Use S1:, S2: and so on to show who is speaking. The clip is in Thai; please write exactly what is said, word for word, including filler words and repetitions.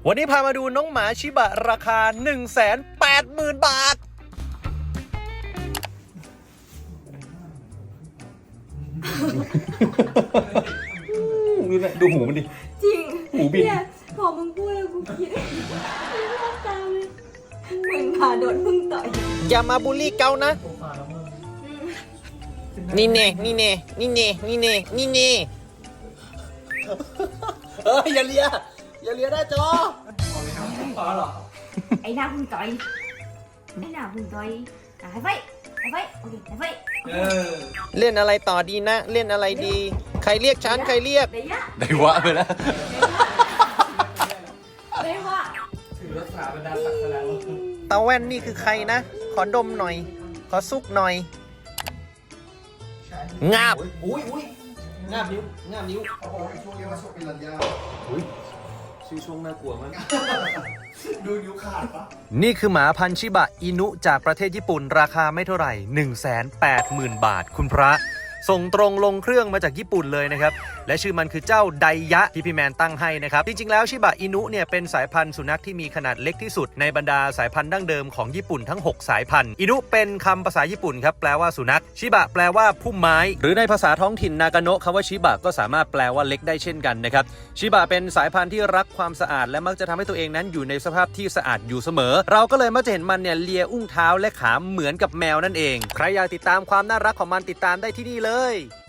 S1: วันนี้พามาดูน้องหมาชิบะราคา หนึ่งแสนแปดหมื่น บาทดูนะดูหูมันดิ
S2: จริง
S1: หูบิน
S2: เนี่ยพอมึงพูดแล้วกูคิดไม่รอบตาเลยเหมือนขาโดนพึ่งต่อย
S1: อย่ามาบูลลี่เกานะนี่เน่นี่เน่นี่เน่นี่เน่นี่เน่เอ้ยอย่าเลียอย่าเลียหน้าจอ
S2: ไอ้หน้าพึ่งต่อยไอ้หน้าพึ่งต่อยหายไฟหายไฟโอเคหายไฟ
S1: เล่นอะไรต่อดีนะเล่นอะไรดีใครเรียกฉันใครเรียกได้วะไปแล้ว
S2: ได้วะ
S3: ถือรักษาบรรดาศักดิ์แล้ว
S1: ตาแว่นนี่คือใครนะขอดมหน่อยขอซุกหน่อยงาบอุ้ยอุ้ยงาบนิ้วงาบนิ้ว
S3: เขาบอกว่าช่วงนี้ว่าช่วงเป็นรัญญา
S1: อุ้ยชื่อช่วงน่ากลัวมาก
S3: ดูนิ้วขาดปะ
S1: นี่คือหมาพันธุ์ชิบะอินุจากประเทศญี่ปุ่นราคาไม่เท่าไหร่ หนึ่งแสนแปดหมื่น บาทคุณพระส่งตรงลงเครื่องมาจากญี่ปุ่นเลยนะครับและชื่อมันคือเจ้าไดยะที่พี่แมนตั้งให้นะครับจริงๆแล้วชิบะอินุเนี่ยเป็นสายพันธุ์สุนัขที่มีขนาดเล็กที่สุดในบรรดาสายพันธุ์ดั้งเดิมของญี่ปุ่นทั้งหกสายพันธุ์อินุเป็นคำภาษาญี่ปุ่นครับแปลว่าสุนัขชิบะแปลว่าพุ่มไม้หรือในภาษาท้องถิ่นนากาโนะคำว่าชิบะก็สามารถแปลว่าเล็กได้เช่นกันนะครับชิบะเป็นสายพันธุ์ที่รักความสะอาดและมักจะทำให้ตัวเองนั้นอยู่ในสภาพที่สะอาดอยู่เสมอเราก็เลยมักจะเห็นมันเนี่ยเลียอุ้งเท้าและขาเหมือนกับแมวนั่นเองใครอยากติดตามความน่ารักของมันติดตามได้ที่นี่เลย